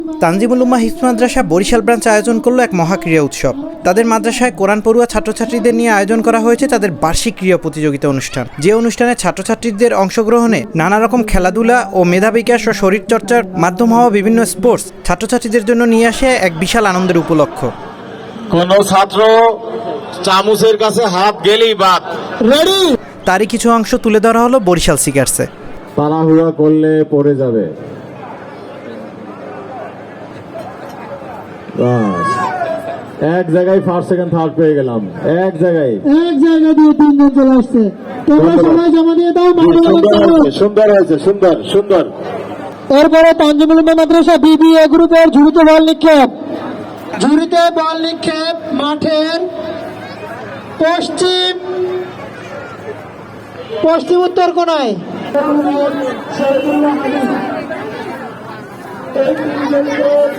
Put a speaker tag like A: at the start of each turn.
A: Tanjimul Ummah Hifz Madrasa Barishal branch আয়োজন করলো এক মহাক্রীড়া উৎসব। তাদের মাদ্রাসায় কোরআন পড়ুয়া ছাত্রছাত্রীদের নিয়ে আয়োজন করা হয়েছে তাদের বার্ষিক ক্রীড়া প্রতিযোগিতা অনুষ্ঠান। যে অনুষ্ঠানে ছাত্রছাত্রীদের অংশগ্রহণে নানা রকম খেলাধুলা ও মেধা বিকাশ ও শরীরচর্চার মাধ্যম হওয়া বিভিন্ন স্পোর্টস ছাত্রছাত্রীদের জন্য নিয়ে আসে এক বিশাল আনন্দের উপলক্ষ।
B: কোন ছাত্র চামচের কাছে হাত গেলেই বাদ। রেডি।
A: তারই কিছু অংশ তুলে ধরা হলো বরিশাল সিগার্সে।
B: তাড়াহুড়া করলে পড়ে যাবে। এক জায়গায় ফার্স্ট সেকেন্ড থার্ড পেয়ে গেলাম। এক জায়গা দিয়ে তিনজন চলে আসছে। তোমরা সবাই জমা দিয়ে দাও। সুন্দর হয়েছে, সুন্দর সুন্দর।
C: এরপরে তানজিমুল উম্মাহ মাদ্রাসা বিবিএ গ্রুপের ঝুড়িতে বল নিক্ষেপ মাঠের পশ্চিম উত্তর কোণায়।